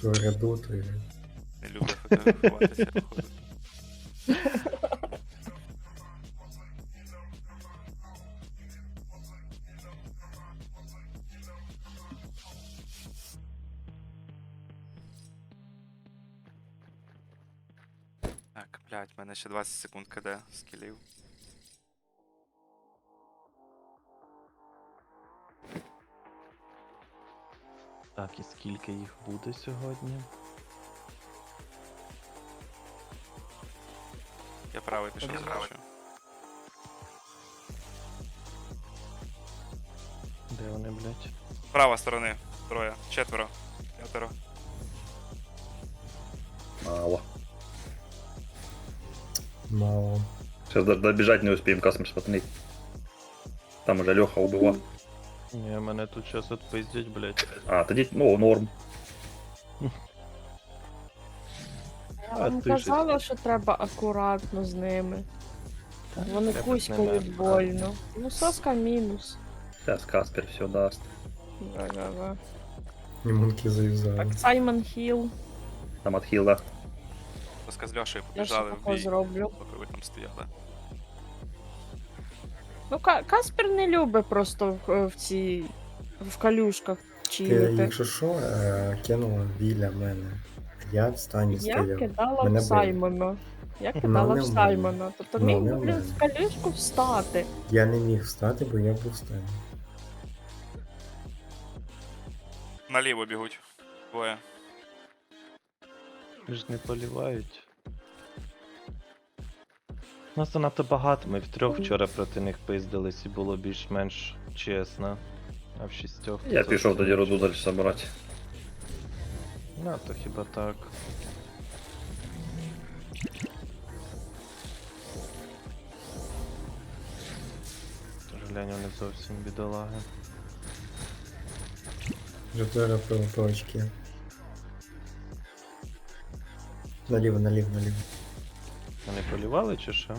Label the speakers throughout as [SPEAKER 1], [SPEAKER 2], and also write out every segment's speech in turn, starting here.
[SPEAKER 1] То ряду, то й...
[SPEAKER 2] Не люблю фотографуватися, походу. Так, блядь, в мене ще 20 секунд КД скілів.
[SPEAKER 3] Так, і скільки їх буде сьогодні?
[SPEAKER 2] Я правий пішов, бачу.
[SPEAKER 3] Де вони, блядь?
[SPEAKER 2] Права сторони. Троє. Четверо. П'ятеро.
[SPEAKER 4] Мало.
[SPEAKER 1] Мало.
[SPEAKER 4] Сейчас даже добежать не успеем, Касмер смотри. Там уже Леха убивал.
[SPEAKER 3] Ні, мене тут щас отпиздять, блядь.
[SPEAKER 4] А, тоді, ну, норм.
[SPEAKER 3] А
[SPEAKER 5] Вам
[SPEAKER 3] ти
[SPEAKER 5] казала, що треба акуратно з ними. Вони
[SPEAKER 3] Треба
[SPEAKER 5] кузькають
[SPEAKER 3] з ними
[SPEAKER 5] больно. Ну, соска мінус.
[SPEAKER 4] Сейчас Каспер все даст.
[SPEAKER 5] Да-да-да.
[SPEAKER 1] Німунки зав'язали.
[SPEAKER 5] Так, Саймон Хіл.
[SPEAKER 4] Там отхил,
[SPEAKER 2] Тоска з Льошею
[SPEAKER 5] Я ще
[SPEAKER 2] побіжали в
[SPEAKER 5] тако
[SPEAKER 2] бій,
[SPEAKER 5] зроблю.
[SPEAKER 2] поки ви там стояли.
[SPEAKER 5] Ну, Каспер не любить просто в калюшках
[SPEAKER 1] Ти,
[SPEAKER 5] чилити.
[SPEAKER 1] якщо що, кинула біля мене. Я в стані
[SPEAKER 5] Я
[SPEAKER 1] стояв.
[SPEAKER 5] кидала
[SPEAKER 1] Мене
[SPEAKER 5] в
[SPEAKER 1] били.
[SPEAKER 5] Саймона. Я кидала
[SPEAKER 1] не
[SPEAKER 5] в
[SPEAKER 1] в мене.
[SPEAKER 5] Саймона. Тобто
[SPEAKER 1] Ну,
[SPEAKER 5] міг
[SPEAKER 1] не
[SPEAKER 5] би,
[SPEAKER 1] в
[SPEAKER 5] блін,
[SPEAKER 1] мене.
[SPEAKER 5] в калюшку встати.
[SPEAKER 1] Я не міг встати, бо я був в стані.
[SPEAKER 2] Наліво бігуть. Двоє.
[SPEAKER 3] Ж не полівають. Нас занадто багато, ми втрьох вчора проти них пиздились і було більш-менш чесно. А в шістьох...
[SPEAKER 4] Я
[SPEAKER 3] це
[SPEAKER 4] пішов
[SPEAKER 3] зовсім
[SPEAKER 4] тоді
[SPEAKER 3] інше.
[SPEAKER 4] роду далі собирати.
[SPEAKER 3] Ну, то хіба так. Тож глянь, вони зовсім бідолаги.
[SPEAKER 1] Вже зараз по очки. Наліво, наліво, наліво.
[SPEAKER 3] Вони полівали чи що?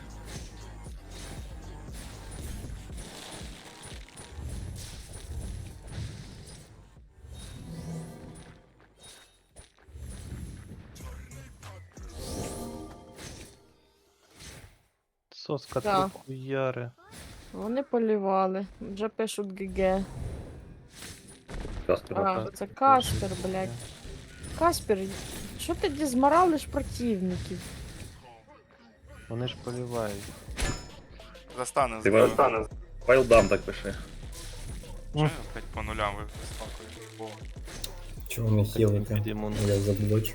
[SPEAKER 3] Соска
[SPEAKER 5] Так.
[SPEAKER 3] три хуяри.
[SPEAKER 5] Вони полівали. Вже пишуть ГГ.
[SPEAKER 4] Каспер.
[SPEAKER 5] А, це Каспер, блядь. Каспер, що ти дізморалиш противників?
[SPEAKER 3] Вони ж полівають.
[SPEAKER 2] Застане
[SPEAKER 4] Ти
[SPEAKER 2] зліва.
[SPEAKER 4] вилстане. Вайлдам так пиши.
[SPEAKER 2] Чого я опять по нулям вискакую? Бо
[SPEAKER 1] Чого не хілити?
[SPEAKER 3] Підійму.
[SPEAKER 1] Я заблочу.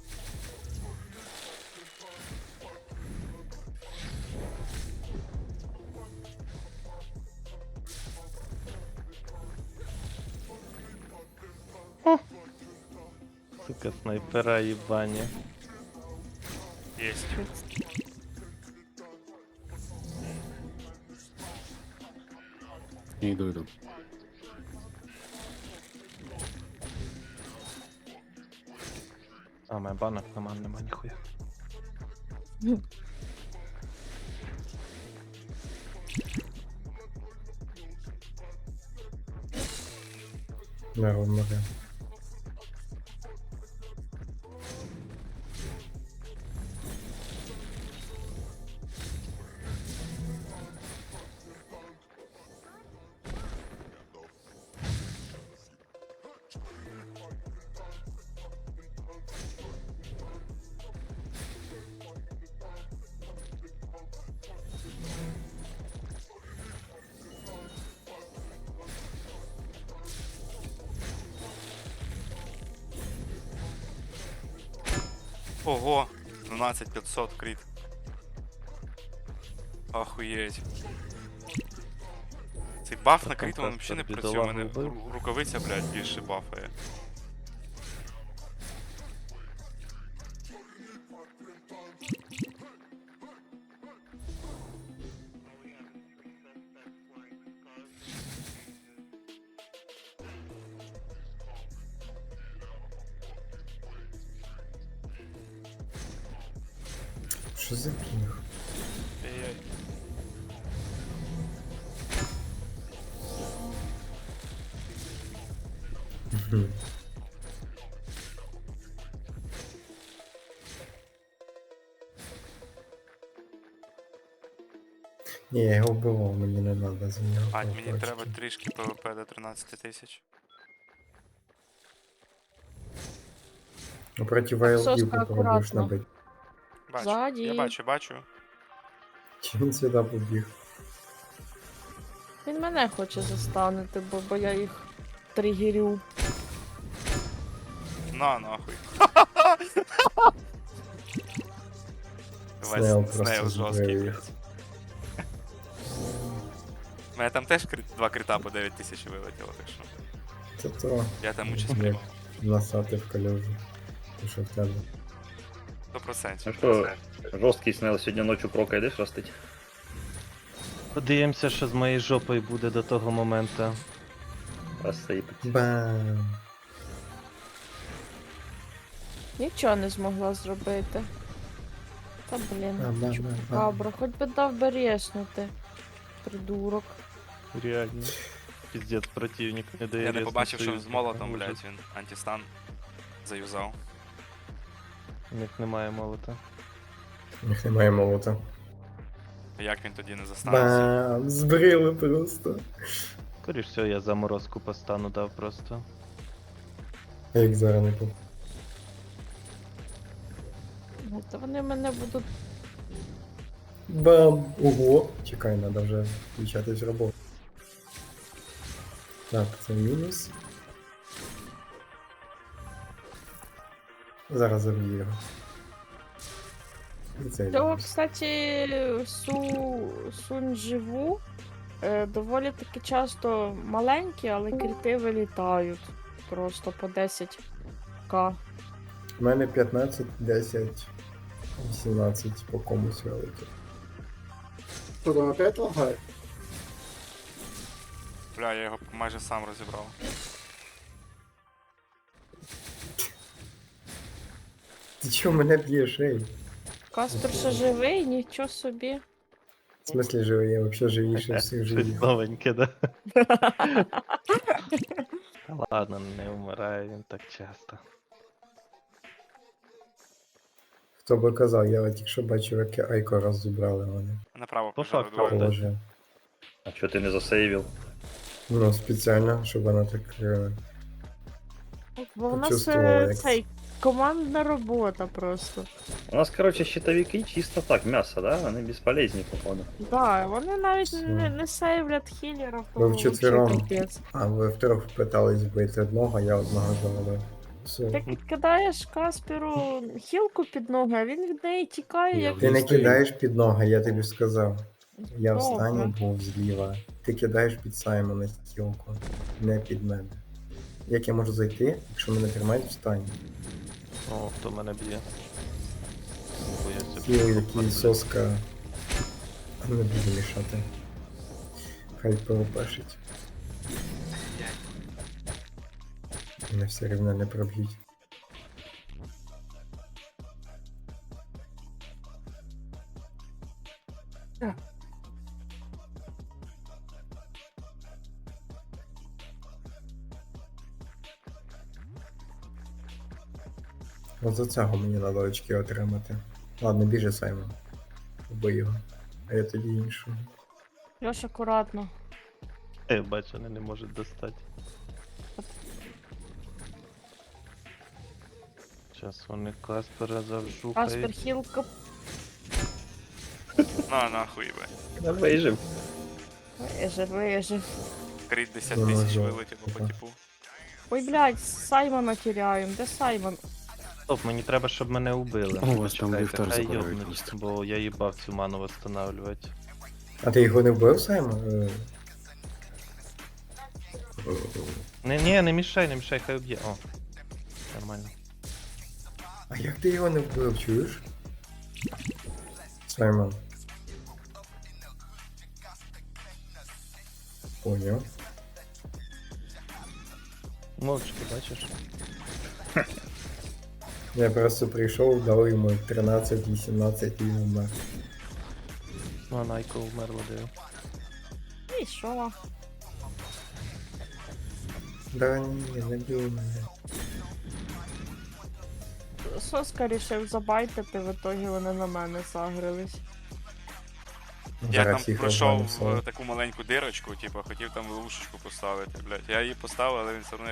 [SPEAKER 3] Сука, снайпера їбані.
[SPEAKER 2] єсть.
[SPEAKER 6] Йду.
[SPEAKER 3] А, моя банок нема ніхуя.
[SPEAKER 1] Народ море.
[SPEAKER 2] Ого! 12500 крит. Охуєть. Цей баф на крит, він взагалі не працює. У мене рукавиця, блядь, більше бафає.
[SPEAKER 1] Що за пінг?
[SPEAKER 2] Ей-ей.
[SPEAKER 1] Ні, я його вбивав, мені не треба за нього.
[SPEAKER 2] Бать, мені
[SPEAKER 1] колокольчики.
[SPEAKER 2] треба трішки ПВП до 13 тисяч.
[SPEAKER 1] Ну, проти
[SPEAKER 5] Соска,
[SPEAKER 1] вайлдів попробуєш
[SPEAKER 5] акуратно.
[SPEAKER 1] набити.
[SPEAKER 2] Бачу,
[SPEAKER 5] Ззаді.
[SPEAKER 2] я бачу.
[SPEAKER 1] Чи він сюди побіг?
[SPEAKER 5] Він мене хоче застанути, бо я їх тригерю.
[SPEAKER 2] На, нахуй.
[SPEAKER 1] Снейл
[SPEAKER 2] Весь
[SPEAKER 1] просто
[SPEAKER 2] снейл жорсткий,
[SPEAKER 1] збив їх.
[SPEAKER 2] блядь. У мене там теж два крита по 9 тисяч вилетіло, так що.
[SPEAKER 1] Це то
[SPEAKER 2] Я там участь
[SPEAKER 1] як
[SPEAKER 2] приймав.
[SPEAKER 1] насати в калюжу. І що в тебе?
[SPEAKER 2] 100%.
[SPEAKER 4] Ну що, жорсткий снел сьогодні ночі прока йдеш ростить?
[SPEAKER 3] Подивимося, що з моєю жопою буде до того моменту.
[SPEAKER 4] Розсипить.
[SPEAKER 1] Бам!
[SPEAKER 5] Нічого не змогла зробити. Та блін,
[SPEAKER 1] Бам-бам-бам-бам.
[SPEAKER 5] кабра, хоч би дав би резнути. Придурок.
[SPEAKER 3] Реально. Піздець, противник не дає.
[SPEAKER 2] Я не
[SPEAKER 3] різно
[SPEAKER 2] побачив, що
[SPEAKER 3] союз,
[SPEAKER 2] з молотом,
[SPEAKER 3] ужас.
[SPEAKER 2] блядь, він антистан заюзав.
[SPEAKER 3] У них немає молота.
[SPEAKER 1] У них немає молота.
[SPEAKER 2] Як він тоді не застанеться?
[SPEAKER 1] Бам! Збрили просто.
[SPEAKER 3] Скоріш всього, я заморозку по стану дав просто.
[SPEAKER 1] А як зараз не по.
[SPEAKER 5] Ну, Та вони мене будуть.
[SPEAKER 1] Бам! Ого! Чекай, треба вже включатись в роботу. Так, це мінус. Зараз заб'ю його. І це
[SPEAKER 5] Цього,
[SPEAKER 1] мінус.
[SPEAKER 5] кстати, Сунь-Живу доволі таки часто маленькі, але крити вилітають. Просто по 10к.
[SPEAKER 1] У мене 15, 10, 18 по комусь вилетів.
[SPEAKER 6] Что там опять лагает?
[SPEAKER 2] Бля, я його майже сам розібрав.
[SPEAKER 1] Ти чого мене б'єш, ей?
[SPEAKER 5] Каспер ще живий, нічого собі.
[SPEAKER 1] В смысле живий? Я взагалі живіше всіх
[SPEAKER 3] Щось
[SPEAKER 1] живів.
[SPEAKER 3] новеньке, да? Та ладно, не вмирає він так часто.
[SPEAKER 1] Хто би казав, я от тільки бачив, як Айко розібрали вони.
[SPEAKER 2] Направо
[SPEAKER 3] По
[SPEAKER 2] пожали
[SPEAKER 3] факту,
[SPEAKER 2] двоє.
[SPEAKER 3] да.
[SPEAKER 1] Положив.
[SPEAKER 4] А чого ти не засейвив?
[SPEAKER 1] Ну, спеціально, щоб вона так.
[SPEAKER 5] Бо в нас
[SPEAKER 1] Почувствувала, як
[SPEAKER 5] цей командна робота просто.
[SPEAKER 4] У нас, короче, щитовики чисто так, мясо, да? Вони безполезні, походу.
[SPEAKER 5] Да, вони навіть
[SPEAKER 1] Все.
[SPEAKER 5] не сейвлять хілерів.
[SPEAKER 1] Ви вчетвером.
[SPEAKER 5] вообще капець.
[SPEAKER 1] А ви втрьох питались вбити одного, я одного завалив. Все.
[SPEAKER 5] Ти кидаєш Касперу хілку під ноги, а він від неї тікає, як
[SPEAKER 1] Ти не
[SPEAKER 6] Стою.
[SPEAKER 1] кидаєш під ноги, я тобі сказав. Я в
[SPEAKER 5] Добре.
[SPEAKER 1] стані був зліва. Ти кидаєш під Саймона стілку, не під мене. Як я можу зайти, якщо мене тримають в стані?
[SPEAKER 3] О, хто мене б'є. Бо я собі
[SPEAKER 1] Кіл, який
[SPEAKER 3] походжу.
[SPEAKER 1] соска. Не буду мішати. Хай ПВПшить. Мене все рівно не проб'ють. От за цього мені треба очки отримати. Ладно, біжи Саймон. Убий його. А я тоді іншого.
[SPEAKER 5] Льош, акуратно.
[SPEAKER 3] Я бачу, вони не можуть достати. Зараз вони Каспера
[SPEAKER 5] Каспер
[SPEAKER 3] завжухають.
[SPEAKER 5] хілка.
[SPEAKER 2] На, нахуй, бе.
[SPEAKER 4] Я вижив.
[SPEAKER 5] Вижив.
[SPEAKER 2] Крит 10
[SPEAKER 1] Ну,
[SPEAKER 2] тисяч
[SPEAKER 1] жовт,
[SPEAKER 2] вилетіло по
[SPEAKER 1] ага.
[SPEAKER 2] типу.
[SPEAKER 5] Ой, блядь, Саймона теряємо. Де Саймон?
[SPEAKER 3] Стоп, мені треба, щоб мене убили.
[SPEAKER 6] О, у вас там
[SPEAKER 3] Почекайте,
[SPEAKER 6] ліфтар
[SPEAKER 3] хай
[SPEAKER 6] забирають
[SPEAKER 3] йобнуть,
[SPEAKER 6] просто.
[SPEAKER 3] бо я їбав цю ману восстанавливати.
[SPEAKER 1] А ти його не вбив, Саймон?
[SPEAKER 3] Не мішай, хай уб'є. О. Нормально.
[SPEAKER 1] А як ти його не вбив, чуєш? Саймон. Поняв.
[SPEAKER 3] Мовчки, бачиш?
[SPEAKER 1] Я просто прийшов, дав йому 13-18 і він умер.
[SPEAKER 3] Ну, а Найко вмерла, диво.
[SPEAKER 5] І що?
[SPEAKER 1] Да ні, не бій мене.
[SPEAKER 5] Соска рішив забайтити, в итогі вони на мене загрились.
[SPEAKER 2] Я
[SPEAKER 1] Зараз
[SPEAKER 2] там
[SPEAKER 1] всіх
[SPEAKER 2] пройшов
[SPEAKER 1] розвалив,
[SPEAKER 2] в таку маленьку дирочку, типу, хотів там ловушечку поставити, блядь. Я її поставив, але він все одно